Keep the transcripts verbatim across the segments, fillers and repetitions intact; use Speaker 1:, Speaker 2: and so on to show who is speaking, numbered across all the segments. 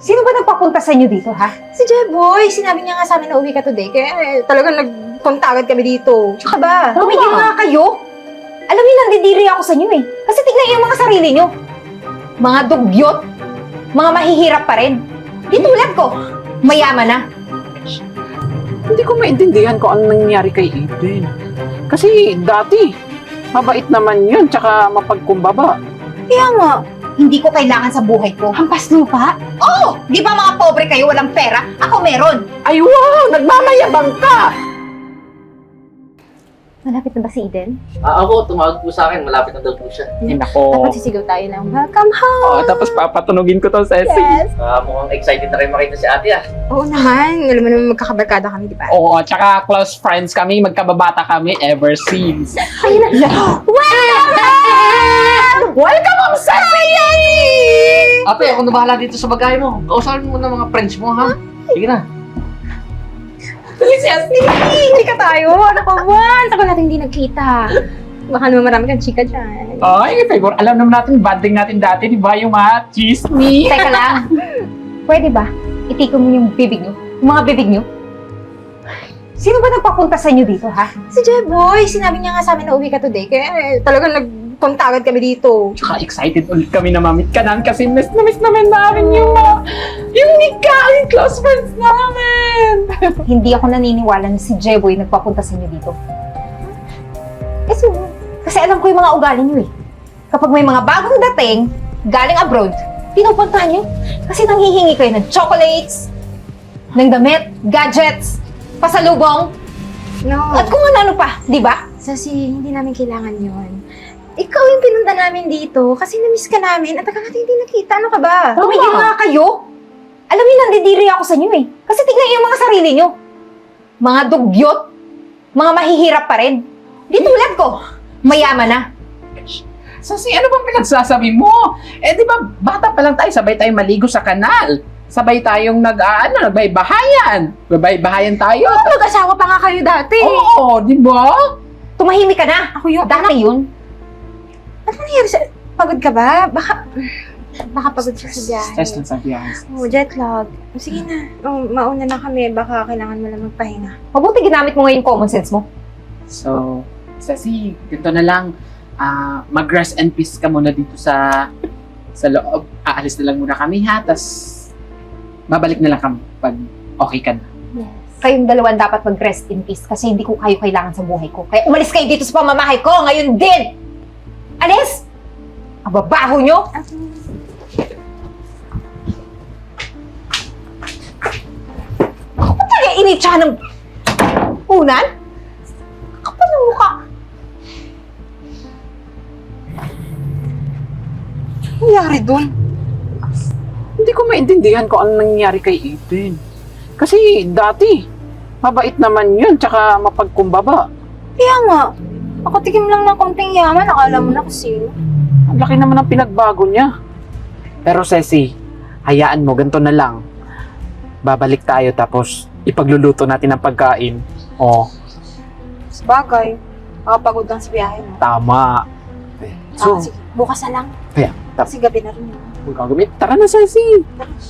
Speaker 1: Sino ba nagpapunta sa inyo dito, ha?
Speaker 2: Si Jeboy, sinabi niya nga sa amin na uwi ka today, kaya eh, talagang nagpunta agad kami dito. Tsaka ba?
Speaker 1: Tumigil nga kayo! Alam niyo, nandidiri ako sa inyo eh. Kasi tignan niyo yung mga sarili niyo. Mga dugyot. Mga mahihirap pa rin. Di tulad ko. Mayaman na.
Speaker 3: Hindi ko maintindihan kung ano nangyari kay Eden. Kasi dati, mabait naman yun, tsaka mapagkumbaba.
Speaker 2: Kaya nga.
Speaker 1: Hindi ko kailangan sa buhay ko.
Speaker 2: Hampas lupa?
Speaker 1: Oo! Di ba mga pobre kayo, walang pera? Ako meron.
Speaker 3: Ay wow! Nagmamayabang ka!
Speaker 2: Malapit na ba si Eden?
Speaker 4: Ah, ako, tumawag po sa akin. Malapit na daw po siya.
Speaker 3: Ay nako.
Speaker 2: Dapat sisigaw tayo ng welcome home!
Speaker 3: Oh, tapos papatunugin ko to, Ceci.
Speaker 2: Yes!
Speaker 4: Ah, mukhang excited na rin makita si ate ah.
Speaker 2: Oo naman. Alam mo naman magkakabarkada kami, di ba?
Speaker 3: Oo, tsaka close friends kami, magkababata kami ever since.
Speaker 2: Ayun na! Welcome!
Speaker 3: Welcome home, Ceci!
Speaker 4: Ate, ako na bahala dito sa bagay mo. Kausapin mo na mga friends mo, ha? Sige na.
Speaker 2: Ceci! Chika tayo! Ano ka ba? Tagal natin hindi nagkita. Baka naman marami kang chika dyan.
Speaker 3: Ay, favor, alam naman natin, banding natin dati, di ba, yung mga chismis?
Speaker 1: Teka lang. Pwede ba? Itikon mo yung bibig niyo. Yung mga bibig niyo. Sino ba nagpapunta sa inyo dito, ha?
Speaker 2: Si Jeboy, sinabi niya nga sa amin na uwi ka today, kaya eh, talagang nagpunta agad kami dito.
Speaker 3: Tsaka excited ulit kami na mamit ka namin kasi miss na miss namin namin yung mga, yung nika, yung close friends namin.
Speaker 1: Hindi ako naniniwala na si Jeboy nagpapunta sa inyo dito. Eh, sino? Kasi alam ko yung mga ugali niyo eh. Kapag may mga bagong dating, galing abroad, pinupuntahan niyo. Kasi nanghihingi kayo ng chocolates, ng damit, gadgets, pasalubong,
Speaker 2: No.
Speaker 1: at kung ano-ano pa, di ba?
Speaker 2: Sasi, hindi namin kailangan yon. Ikaw yung pinunta namin dito kasi na-miss ka namin at tagal natin hindi nakita. Ano ka ba?
Speaker 1: Tumigil nga kayo! Alam niyo, nandidiri ako sa inyo eh. Kasi tignan niyo yung mga sarili niyo. Mga dugyot, mga mahihirap pa rin. Di tulad ko, mayaman na.
Speaker 3: Sasi, ano bang pinagsasabi mo? Eh, di ba, bata pa lang tayo, sabay tayong maligo sa kanal. Sabay tayong nag, ah, ano, nagbaybahayan. Nagbaybahayan tayo.
Speaker 2: Oo, mag-asawa pa nga kayo dati.
Speaker 3: Oo, di ba?
Speaker 1: Tumahimik ka na.
Speaker 2: Ako yung
Speaker 1: Dati yun.
Speaker 2: Ano nangyari sa... Pagod ka ba? Baka... Baka pagod siya sa biyahe.
Speaker 3: Stress lang sa biyahe.
Speaker 2: Oh, jet lag. Oh, sige na. Oh, mauna na kami. Baka kailangan mo lang magpahinga.
Speaker 1: Mabuti ginamit mo ngayon yung common sense mo.
Speaker 3: So, Sasi, ganito na lang. Ah, mag-rest and peace ka muna dito sa sa loob. Aalis na lang muna kami ha, tas babalik na lang kami pag okay ka na.
Speaker 2: Yes.
Speaker 1: Kayong dalawan dapat mag-rest in peace kasi hindi ko kayo kailangan sa buhay ko. Kaya umalis kayo dito sa pamamahay ko ngayon din! Alis! Ang babaho nyo! Ako pa tayo initsa ng unan? Kapal ng mukha.
Speaker 2: Ano nangyari dun?
Speaker 3: Hindi ko maintindihan kung ano nangyari kay Eden. Kasi dati, mabait naman yun, tsaka mapagkumbaba.
Speaker 2: Kaya nga. Ako tikim lang ng konting yaman. Akala mo na kasi.
Speaker 3: Ang laki naman ng pinagbago niya. Pero Ceci, hayaan mo, ganito na lang. Babalik tayo tapos ipagluluto natin ang pagkain. Oh,
Speaker 2: Sabagay. Makapagod lang sa biyahe mo.
Speaker 3: tama.
Speaker 2: So,
Speaker 3: So,
Speaker 2: sige. Bukas na lang.
Speaker 3: kaya, tap,
Speaker 2: Kasi gabi na rin. yun.
Speaker 3: huwag kang gamit. Tara na, Ceci.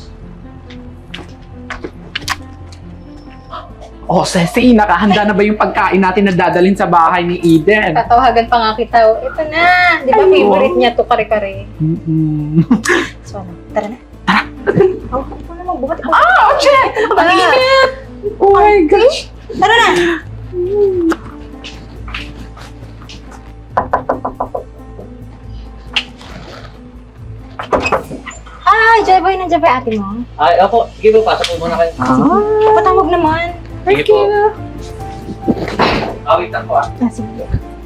Speaker 3: Oh, Ceci, nakahanda na ba yung pagkain natin na dadalhin sa bahay ni Eden?
Speaker 2: Tatawagan pa nga kita. Oh, ito na. Di ba
Speaker 3: Ay,
Speaker 2: favorite niya to kare-kare?
Speaker 3: Mm-mm.
Speaker 2: So, ano? Tara na. Tara. Oh, ako na magbuhat.
Speaker 3: Ah, oh, check! Ang init! Oh my gosh!
Speaker 2: Tara na! Ay, Jeboy, nandiyan ba yung ate mo?
Speaker 4: Ay, ako. Sige po, pasok po muna kayo.
Speaker 3: Ah,
Speaker 2: Patawag naman.
Speaker 4: Sige po. Ah, wait lang po ah.
Speaker 2: Ah, sige.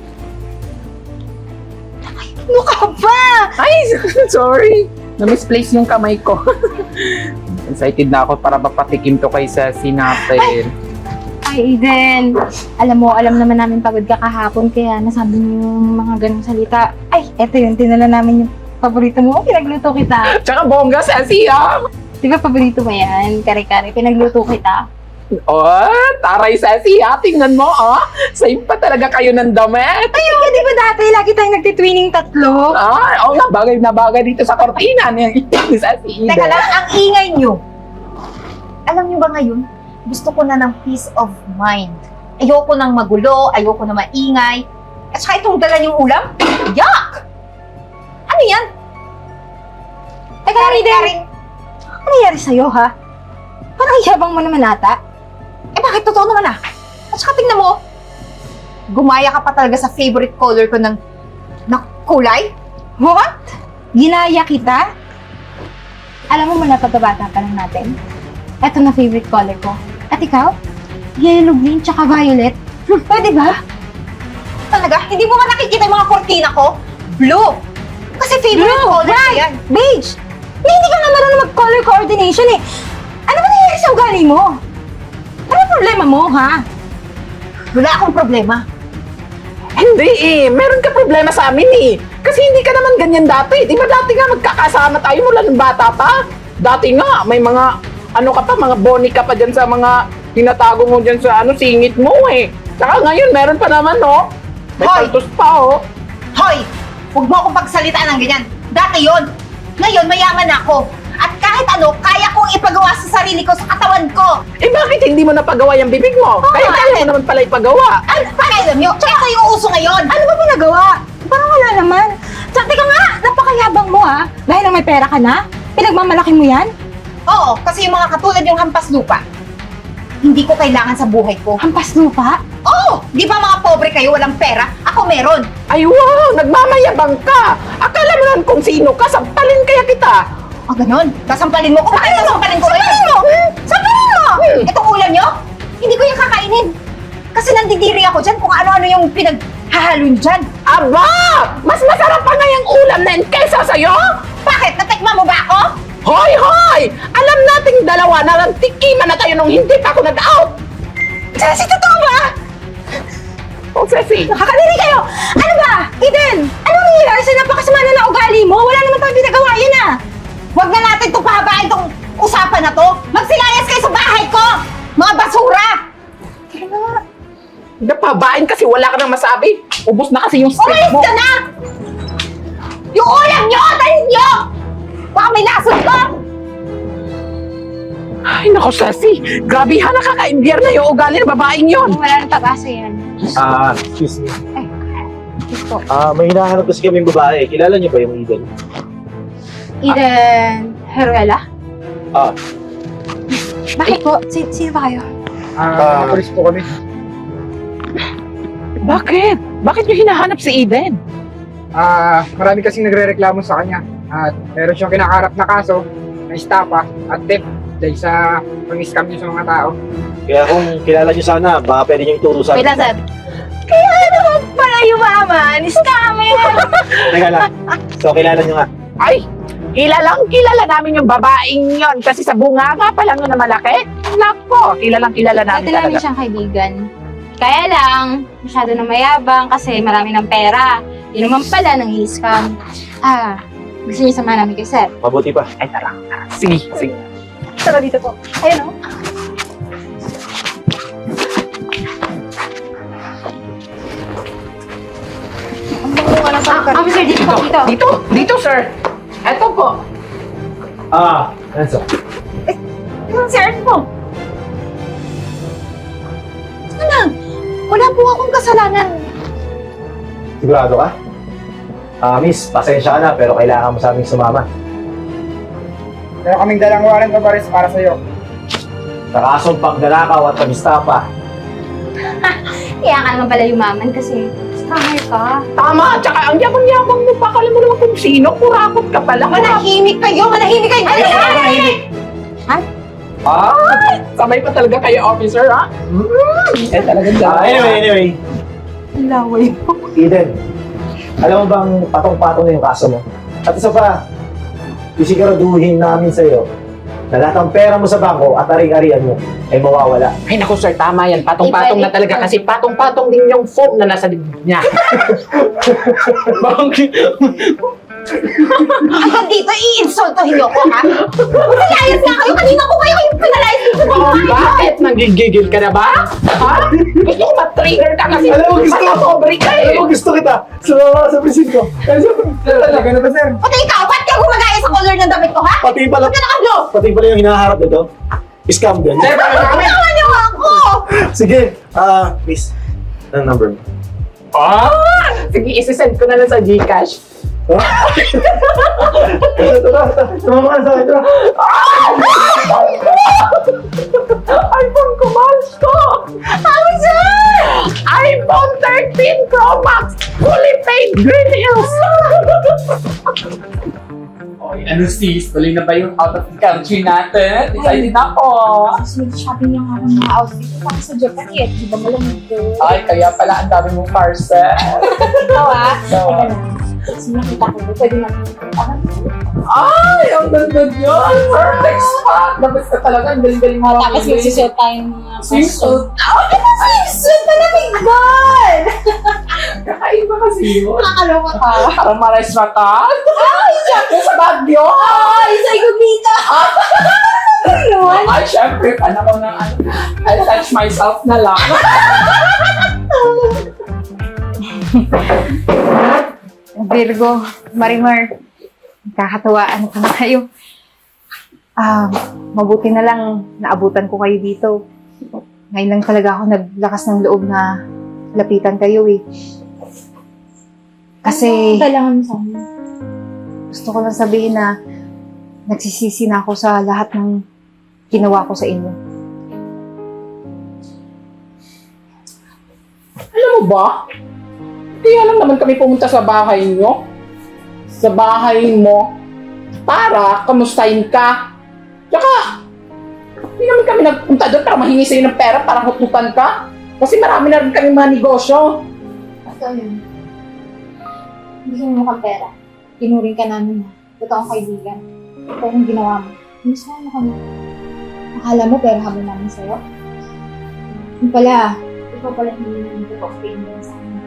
Speaker 2: Ano ka ba?
Speaker 3: ay, sorry. Na-misplace yung kamay ko. Excited na ako para mapatikim to kay Ceci natin.
Speaker 2: Ay, Eden. Alam mo, alam naman namin pagod ka kahapon, kaya nasabi mo yung mga ganong salita. Ay, eto yun, tinala namin yung paborito mo. Pinagluto kita.
Speaker 3: Tsaka bongga, Ceci, ah!
Speaker 2: Di ba paborito mo yan? Kare-kare, pinagluto kita.
Speaker 3: Oh, taray Ceci ha. Tingnan mo, oh. Same pa talaga kayo ng damit.
Speaker 2: Ay, oh, di ba dati lagi tayong nagtitwining tatlo?
Speaker 3: Ah, oo nga, bagay na bagay dito sa kortina ni ni Ceci.
Speaker 1: Teka lang, ang ingay nyo. Alam nyo ba ngayon, gusto ko na ng peace of mind. Ayoko nang magulo, ayoko na maingay. At saka itong dala niyong ulam, yuck! Ano yan?
Speaker 2: Teka, Eden. Ano nangyari sa'yo, ha? Parang yabang mo naman ata.
Speaker 1: Eh bakit totoo naman ah? At saka tingnan mo, gumaya ka pa talaga sa favorite color ko ng, na kulay?
Speaker 2: What? Ginaya kita? Alam mo mula pagkabata pa lang natin, eto na favorite color ko. At ikaw? Yellow, green, tsaka violet. Hmm, pwede ba?
Speaker 1: Talaga? Hindi mo ba nakikita yung mga kortina ko? Blue! Kasi favorite
Speaker 2: Blue,
Speaker 1: color ko
Speaker 2: right.
Speaker 1: yan.
Speaker 2: Beige! Eh, hindi ka nga marunong mag-color coordination eh. Ano ba nangyari sa ugali mo? Ano problema mo, ha?
Speaker 1: Wala akong problema.
Speaker 3: Hindi eh, meron ka problema sa amin eh. Kasi hindi ka naman ganyan dati. Di ba dati nga magkakasama tayo mula ng bata pa? Dati nga, may mga, ano ka pa, mga boni ka pa dyan sa mga tinatago mo dyan sa ano, singit mo eh. Saka ngayon, meron pa naman, no? May
Speaker 1: Hoy!
Speaker 3: paltos pa, oh.
Speaker 1: Hoy! Huwag mo akong pagsalitaan ng ganyan. Dati yon. Ngayon, mayaman ako. At kahit ano, kaya kong ipagawa sa sarili ko, sa katawan ko.
Speaker 3: Eh bakit hindi mo napagawa yung bibig mo? Kaya kaya mo naman pala ipagawa.
Speaker 1: Ano pa alam nyo? Ito yung uso ngayon.
Speaker 2: Ano ba pinagawa? Parang wala naman. Tsaka teka nga, napakayabang mo, ha? Dahil lang may pera ka na? Pinagmamalaki mo yan?
Speaker 1: Oo, kasi yung mga katulad yung hampas lupa, hindi ko kailangan sa buhay ko.
Speaker 2: Hampas lupa?
Speaker 1: Oo! Di ba mga pobre kayo, walang pera? Ako meron.
Speaker 3: Ay wow, nagmamayabang ka. Akala mo naman kung sino ka, sampalin kaya kita.
Speaker 1: Ah, ganon. Sasampalin mo ko. Bakit sasampalin ko? Sampalin mo! Sampalin mo! Itong ulam nyo, hindi ko yung kakainin. Kasi nandidiri ako dyan kung ano-ano yung pinaghahalo nyo dyan.
Speaker 3: Aba! Mas masarap pa nga yung ulam na yun kaysa sa'yo?
Speaker 1: Bakit? Natikma mo ba ako?
Speaker 3: Hoy, hoy! Alam nating dalawa na nagtikiman na tayo nung hindi pa ako nag-out.
Speaker 1: Ceci, totoo ba?
Speaker 3: Oh, Ceci.
Speaker 2: Nakakadiri kayo! Ano ba? Eden! Anong nangyayari sa napakasama na ng ugali mo? Wala naman tayong pinagawa yan, ah!
Speaker 1: Huwag na natin itong pahabain itong usapan na to. Magsilayas kayo sa bahay ko! Mga basura!
Speaker 3: Napabain kasi wala ka nang masabi. Ubus na kasi yung script
Speaker 1: Umalis
Speaker 3: mo.
Speaker 1: ka na! Yung ulam nyo! Talis nyo! Baka may lason ko!
Speaker 3: Ay, naku, Ceci. Grabe ha, nakaka-imbier na yung ugali ng babaeng yon.
Speaker 2: Wala nang pag-asa yan.
Speaker 5: Ah, excuse me.
Speaker 2: Gusto.
Speaker 5: Ah, may hinahanap kasi kami babae. Kilala niyo ba yung Eden?
Speaker 2: Eden Heruela?
Speaker 5: Ah,
Speaker 2: Bakit po? Si sino ba kayo?
Speaker 5: Ah,
Speaker 6: Pulis po kami.
Speaker 3: Bakit? Bakit nyo hinahanap si Eden?
Speaker 6: Ah, marami kasing nagrereklamo sa kanya. At meron siyang kinakaharap na kaso na estafa at theft dahil sa pang-scam niyo sa mga tao.
Speaker 5: kaya kung kilala niyo sana, baka pwede niyo ituro sa
Speaker 2: Wait lang, Seb. Kaya naman pala yumaman. Scammer!
Speaker 5: Teka lang. So, kilala niyo nga.
Speaker 3: Ay, kilalang kilala namin yung babaeng yon kasi sa bunganga pa lang yun na malaki. Nako, kilalang kilala namin
Speaker 2: Dati namin
Speaker 3: talaga.
Speaker 2: siyang kaibigan. Kaya lang, masyado na mayabang kasi marami ng pera. Yun naman pala nang i-scam. Ah, gusto niyo samahan namin kay Sir.
Speaker 5: Mabuti pa.
Speaker 3: Ay, tara. Sige, sige.
Speaker 2: Tara dito po. Ayun o. Ah, officer, dito po, dito.
Speaker 3: Dito, dito, sir. Eto po.
Speaker 5: Ah, Enzo.
Speaker 1: Yung sir mo. Ano? Wala po akong kasalanan.
Speaker 5: Sigurado ka? Ah, miss, pasensya ka na, pero kailangan mo sa aming sumama.
Speaker 6: Meron kaming dalang warrant of arrest para sa'yo.
Speaker 5: Sa kasong pagdalakaw at pag-istapa.
Speaker 2: Kaya ka naman pala yumaman kasi scammer ka.
Speaker 3: Tama, tsaka ang yabang-yabang mo pa. Kala mo naman kung sino. Kurakot ka pala.
Speaker 1: Manahimik kayo! Manahimik kayo! Ano manahimik?
Speaker 3: Ay, sabay pa talaga kayo, officer, ha? Mm, eh, talagang
Speaker 5: Ah, anyway, anyway.
Speaker 3: Laway mo.
Speaker 5: Eden, alam mo bang patong-patong na yung kaso mo? At isa pa, isiguraduhin namin sa'yo na lahat ng pera mo sa bangko at ari-arian mo ay mawawala.
Speaker 3: Ay, naku, sir, tama yan. Patong-patong na talaga kasi patong-patong din yung foam na nasa dibdib niya.
Speaker 1: Hanggang dito, i-insultohin niyo ko, ha? Pinalayas nga kayo! Kanina ko kayo yung pinalayas dito!
Speaker 3: Oh, bakit? Nang Nagigigil ka na ba? Ha? Gusto ko ma-trigger ka kasi
Speaker 5: Alam mo, gusto ko.
Speaker 3: matapobre ka eh.
Speaker 5: Alam mo, gusto kita. Sumama ka sa presin ko. Kasi,
Speaker 6: Talaga na ba, sir?
Speaker 1: Pati ikaw, ba't ka gumagaya sa color ng damit ko, ha?
Speaker 5: pati pala,
Speaker 1: Ba't ka nakablo?
Speaker 5: pati pala yung hinaharap nito. Scam din.
Speaker 3: Sir, para kami.
Speaker 1: Tawa niyo ako!
Speaker 5: Sige, ah, miss. Anong number mo?
Speaker 3: Ah! Sige, isi-send ko na lang sa Gcash.
Speaker 5: Ha? Ito, ito, ito. Sumama ka sa akin, ito.
Speaker 3: iPhone ko, mahal ko! Ano sir? iPhone thirteen Pro Max! Fully paid Green Hills! Oy, ano sis? Tuloy na ba yung out of the country natin? Excited na ako!
Speaker 2: Kasi shopping lang ako ng mga outfit ko para sa Japan eh. Di ba malamig ko?
Speaker 3: Ay, kaya pala ang dami mong parcel.
Speaker 2: Ikaw ah.
Speaker 3: So,
Speaker 2: Teka lang. Kasi nakita ko, pwede natin puntahan.
Speaker 3: ay, ang ganda yun! Perfect spot! Dapat ka talaga, ang galing-galing mo.
Speaker 2: Tapos magsusuot tayong mga
Speaker 3: Swimsuit.
Speaker 2: Swimsuit na lamig doon!
Speaker 3: Kakaiba kasi yun.
Speaker 2: Nakakaloka ka.
Speaker 3: Parang marais mata. Ay, syempre sa Baguio.
Speaker 2: Ay, sa Igumita! Ayun!
Speaker 3: Ay, syempre, paano ko na, ano, I'll touch myself na lang.
Speaker 1: Virgo, Marimar, kakatawaan ko na kayo. Ah, mabuti na lang naabutan ko kayo dito. Ngayon lang talaga ako naglakas ng loob na lapitan kayo eh. Kasi
Speaker 2: Kailangan mo sa amin.
Speaker 1: gusto ko lang sabihin na nagsisisi na ako sa lahat ng ginawa ko sa inyo.
Speaker 3: Alam mo ba? Kaya lang naman kami pumunta sa bahay nyo. Sa bahay mo. Para kamustahin ka. Tsaka, hindi naman kami nagpunta doon para mahingi sa'yo ng pera para hututan ka. Kasi marami na rin kami mga negosyo.
Speaker 2: Ito yun. Hindi mo mukhang pera. Tinuring ka namin na. Totoong kaibigan. Ito yung ginawa mo. Miss mo kami. Akala mo pera habol namin sa'yo? Yung pala, ikaw pala hindi namin totoong kaibigan sa amin.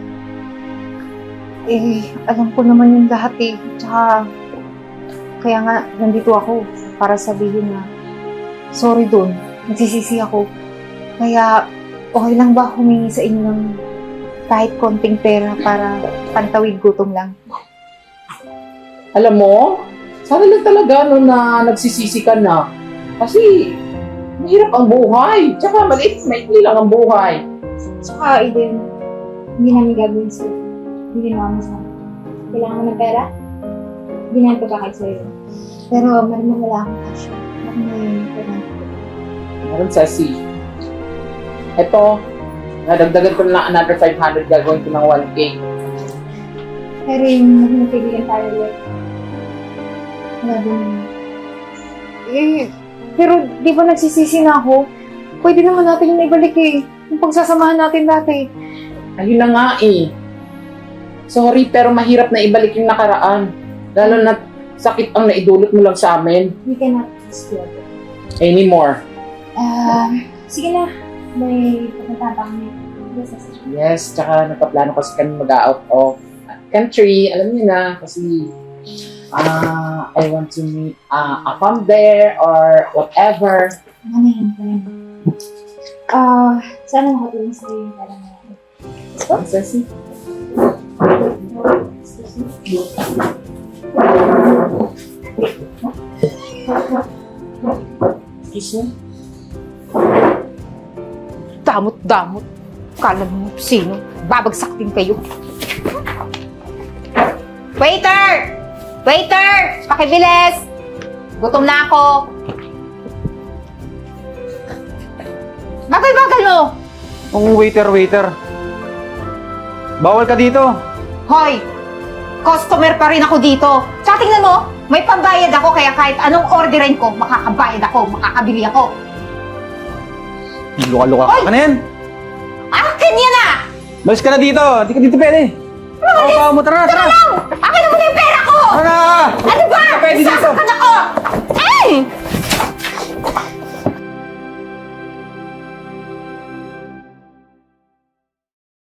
Speaker 1: Eh, alam ko naman yung lahat eh. Tsaka, kaya nga, nandito ako para sabihin na sorry doon, nagsisisi ako. Kaya, okay lang ba humingi sa inyo ng kahit konting pera para pantawid gutom lang?
Speaker 3: Alam mo, sana lang talaga no na nagsisisi ka na. Kasi, mahirap ang buhay. Tsaka maliit, maikli lang ang buhay.
Speaker 2: Saka, Eden, hindi namin gagawin sa'yo. Hindi ginawa mo sa amin. Kailangan mo ng pera? Hindi namin pagkakait sa'yo. Pero, maraming wala akong cash. Baka may pera.
Speaker 3: Meron Ceci. Ito, nadagdagan ko na lang another five hundred, gagawin ko ng one K.
Speaker 2: Pero yung maging kaibigan tayo ulit. Wala din yun.
Speaker 1: Eh, pero di ba nagsisisi na ako? Pwede naman natin yung ibalik eh. Yung pagsasamahan natin dati.
Speaker 3: Ayun na nga eh. Sorry, pero mahirap na ibalik yung nakaraan. Lalo na sakit ang naidulot mo lang sa amin.
Speaker 2: We cannot explore.
Speaker 3: Anymore.
Speaker 2: Ah, sige na. May pupunta pa kami. Yes, yes.
Speaker 3: Yes, tsaka nagpaplano kasi kami mag-out of country. Alam niyo na, kasi ah I want to meet uh, a fam there or whatever.
Speaker 2: Ano yun? Ano yun? Ah, sana makatulong sa'yo yung pala na yan.
Speaker 3: Ang Ceci. Excuse me?
Speaker 1: Damot-damot. Kala mo sino? Babagsak din kayo. Waiter! Waiter! Pakibilis! Gutom na ako. Bagal-bagal mo!
Speaker 6: Ang waiter, waiter. Bawal ka dito.
Speaker 1: Hoy! Customer pa rin ako dito. Tsaka tingnan mo, may pambayad ako kaya kahit anong orderin ko, makakabayad ako, makakabili ako.
Speaker 6: Luka-luka
Speaker 1: Hoy!
Speaker 6: ka na yan.
Speaker 1: Akin yan ah!
Speaker 6: Malis ka na dito. Hindi ka dito pwede. Oo, pa mo. Tara na, tara.
Speaker 1: Akin na muna yung pera ko!
Speaker 6: Tara na!
Speaker 1: Ano